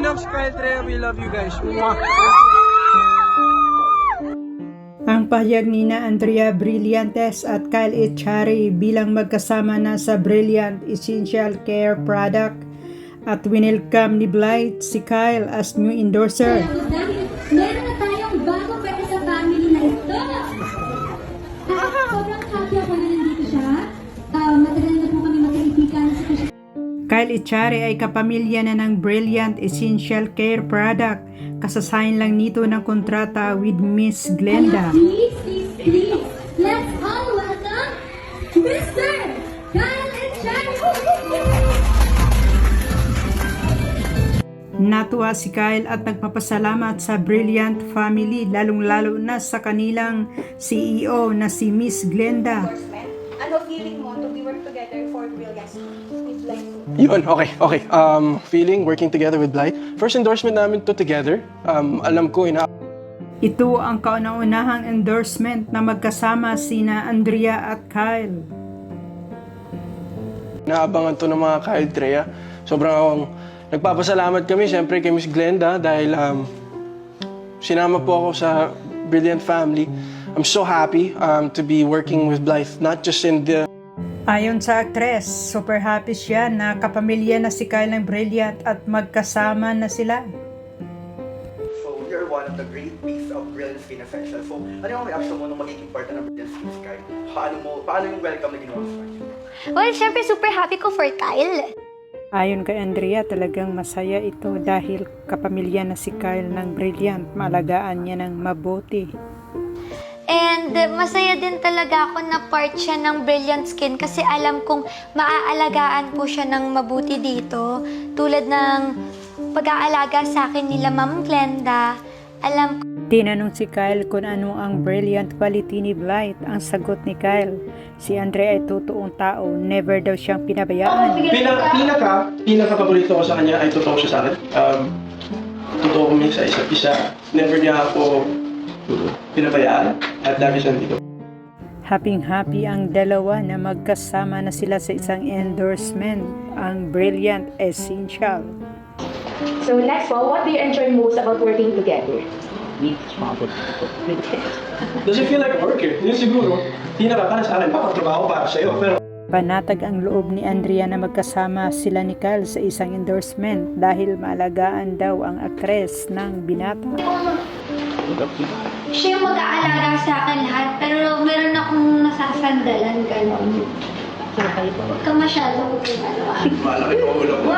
loves Kyle Trea. We love you guys. Mwah! Ang pahayag ni na Andrea Brillantes at Kyle Echari bilang magkasama na sa Brilliant Essential Care Product at winelcome ni Blythe si Kyle as new endorser. Dahil meron na tayong bago para sa family na ito. Sobrang happy ako na nandito siya. Matagal na po kami magkaibigan. Kyle Echari ay kapamilya na ng Brilliant Essential Care Product. Kasasayin lang nito ng kontrata with Miss Glenda. Please, let's all welcome Mr. Kyle Echari! Natuwa si Kyle at nagpapasalamat sa Brilliant family, lalong-lalo na sa kanilang CEO na si Miss Glenda. Ano feeling mo to be work together for Brilliant with Blythe? Yun, okay. Feeling, working together with Blythe. First endorsement namin to together. Alam ko, Ito ang kauna-unahang endorsement na magkasama sina Andrea at Kyle. inaabangan to ng mga Kyle Trea. Sobrang akong nagpapasalamat kami, siyempre, kay Miss Glenda dahil sinama po ako sa Brilliant family. I'm so happy to be working with Blythe, not just in the... Ayon sa aktres, super happy siya na kapamilya na si Kyle ng Brilliant at magkasama na sila. So, you're one of the great piece of Brilliant Skin Essential. So, ano yung reaction mo nung magiging part ng Brilliant Skin Sky? Paano yung welcome na ginawa mo sa kanya? Well, syempre super happy ko for Kyle. Ayon kay Andrea, talagang masaya ito dahil kapamilya na si Kyle ng Brilliant, maalagaan niya ng mabuti. And masaya din talaga ako na part siya ng Brilliant Skin kasi alam kong maaalagaan po siya ng mabuti dito. Tulad ng pag-aalaga sa akin nila Ma'am Glenda. Alam ko Tinanong si Kyle kung ano ang brilliant quality ni Blythe. Ang sagot ni Kyle, si Andrea ay totoong tao, never daw siyang pinabayaan. Pinaka-paborito ko sa kanya ay totoo siya sa akin. Totoo kami sa isa't isa. Never niya ako pinabayaan at lagi siya dito. Happy ang dalawa na magkasama na sila sa isang endorsement, ang Brilliant Essential. So next one, what do you enjoy most about working together? Does it feel like work eh? Yun siguro, para sa akin, trabaho para sa'yo. Pero Panatag ang loob ni Andrea na magkasama sila ni Kyle sa isang endorsement dahil maalagaan daw ang aktres ng binata. Siya yung mag-aalaga sa akin lahat, pero meron akong nasasandalan, gano'n. Huwag ka masyadong malaki ang ulo ko.